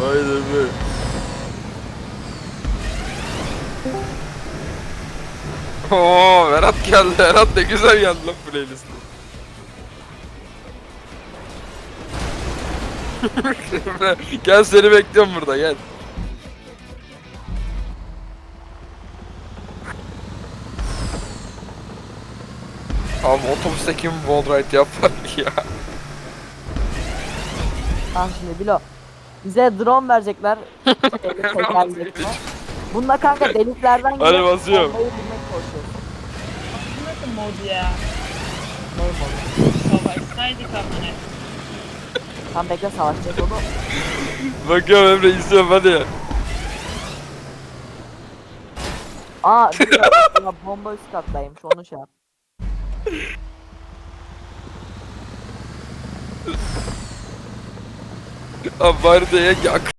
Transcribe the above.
Aynen be. Oo, Berat geldi. Berat ne güzel geldi lan playlist'e. Gel seni bekliyorum burada gel. Abi otobüste kim wall ride yapar ya? Tamam şimdi Bilo. Bize drone verecekler. Tekerlekli. Bununla kanka deliklerden Hadi girip basıyorum. bombayı bulmaya çalışıyoruz. Nasıl mod ya? Neyim olur? Savaşsaydık amına. Tam bekle savaşacağız onu. Bakıyorum Emre izliyorum hadi. Aa bir dakika, ya bomba üst kattaymış onu şey yap. Abi bari de yak.